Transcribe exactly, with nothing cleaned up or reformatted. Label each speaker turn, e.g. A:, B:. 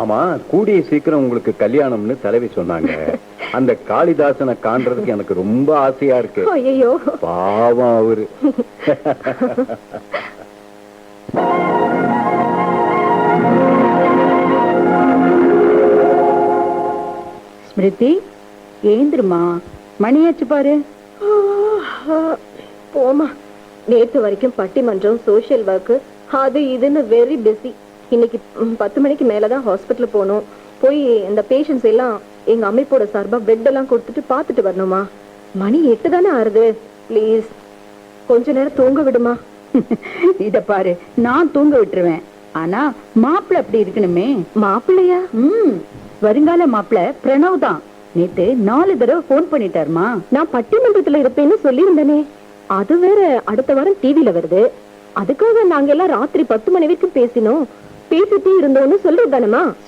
A: ஆமா, கூடிய சீக்கிரம் உங்களுக்கு கல்யாணம்னு தலைவி சொன்னாங்க. அந்த காளிதாசனை காண்றதுக்கு எனக்கு ரொம்ப ஆசையா இருக்கு.
B: ஐயோ
A: பாவம் அவரு.
C: ஸ்மிருதி, ஏந்திருமா, மணியாச்சு பாரு.
B: போமா, நேற்று வரைக்கும் பட்டிமன்றம், சோசியல் ஒர்க், அது இதுன்னு வெரி பிஸி. இன்னைக்கு பத்து மணிக்கு மேலதான் ஹாஸ்பிட்டல் போகணும். போய் இந்த பேஷண்ட்ஸ் எல்லாம் எங்க அமைப்போட சார்பா பெட் எல்லாம் கொடுத்துட்டு பாத்துட்டு வரணுமா. மணி எட்டு தானே ஆறுது. பிளீஸ் கொஞ்ச நேரம் தூங்க விடுமா.
C: இத பாரு, நான் தூங்க விட்டுருவேன். ஆனா மாப்பிள்ள அப்படி இருக்கணுமே.
B: மாப்பிள்ளையா?
C: ம், வருங்கால மாப்பிள்ள பிரணவ் தான். நேத்து நாலு தடவை போன் பண்ணிட்டாருமா.
B: நான் பட்டிமன்றத்துல இருப்பேன்னு சொல்லியிருந்தேனே. அது வேற அடுத்த வாரம் டிவில வருது. அதுக்காக நாங்க எல்லாம் ராத்திரி பத்து மணி வரைக்கும் பேசினோம். பேசிட்டே இருந்தோம்னு சொல்றது தானேமா.